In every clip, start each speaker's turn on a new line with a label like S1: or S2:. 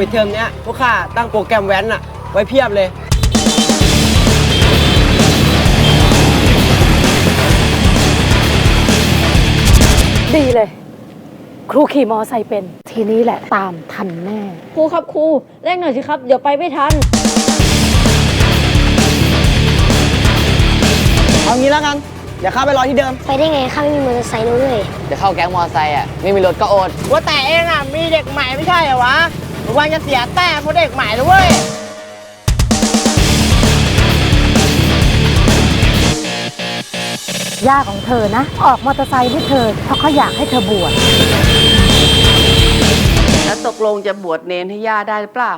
S1: ปิดเทอมเนี้ยพวกข้าตั้งโปรแกรมแว้นอะไว้เพียบเลย
S2: ดีเลย ครูขี่มอไซค์เป็นทีนี้แหละตามทันแน่
S3: ครูครับครูเร่งหน่อยสิครับเดี๋ยวไปไม่ทัน
S1: เอางี้แล้วกัน เดี๋ยวข้าไปรอที่เดิม
S4: ไปได้ไงข้าไม่มีมอเตอร์ไซค์ด้วย
S5: จะเข้าแก๊งมอไซค์อ่ะไม่มีรถก็อด
S1: ว่าแต่เองอะมีเด็กใหม่ไม่ใช่เหรอวะระวังจะเสียแต้มเพราะเด็กใหม่เลยเว้ย
S2: ย่าของเธอนะ ออกมอเตอร์ไซค์ให้เธอเพราะเขาอยากให้เธอบวช
S6: แล้วตกลงจะบวชเนนให้ย่าได้หรือเปล่า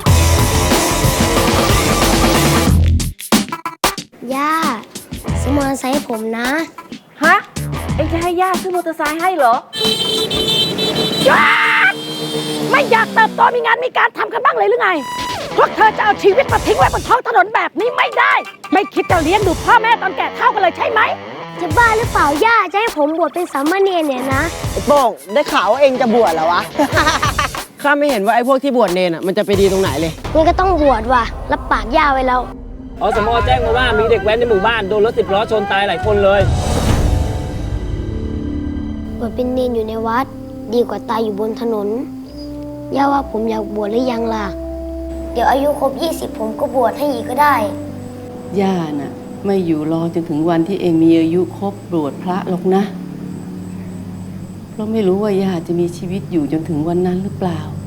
S4: ย่าซื้อมอเตอร์ไซค์ให้ผมนะ
S3: ฮะ เอ็งจะให้ย่าซื้อมอเตอร์ไซค์ให้เหรอ
S2: ไม่อยากเติบโตมีงานมีการทำกันบ้างเลยหรือไง พวกเธอจะเอาชีวิตมาทิ้งไว้บนท้องถนนแบบนี้ไม่ได้ ไม่คิดจะเลี้ยงดูพ่อแม่ตอนแก่เท่ากันเลยใช่ไหม
S4: จะบ้าหรือเปล่าย่าจะให้ผมบวชเป็นสามเณรเนี่ยนะ
S1: ไอ้โป้งได้ข่าวว่าเองจะบวชเหรอวะ ข้าไม่เห็นว่าไอ้พวกที่บวชเนนอะมันจะไปดีตรงไหนเลย
S4: งั้นก็ต้องบวชว่ะรับปากย่าไว้แล้ว
S7: อสมแจ้งมาว่ามีเด็กแว้นในหมู่บ้านโดนรถ10 ล้อชนตายหลายคนเลย
S4: บวชเป็นเนรอยู่ในวัด ดีกว่าตายอยู่บนถนน ย่าว่าผมอยากบวชหรือยังล่ะ เดี๋ยวอายุครบ 20 ผมก็บวชให้อีกก็ได้
S6: ย่าน่ะไม่อยู่รอจนถึงวันที่เองมีอายุครบบวชพระหรอกนะ เพราะไม่รู้ว่าย่าจะมีชีวิตอยู่จนถึงวันนั้นหรือเปล่า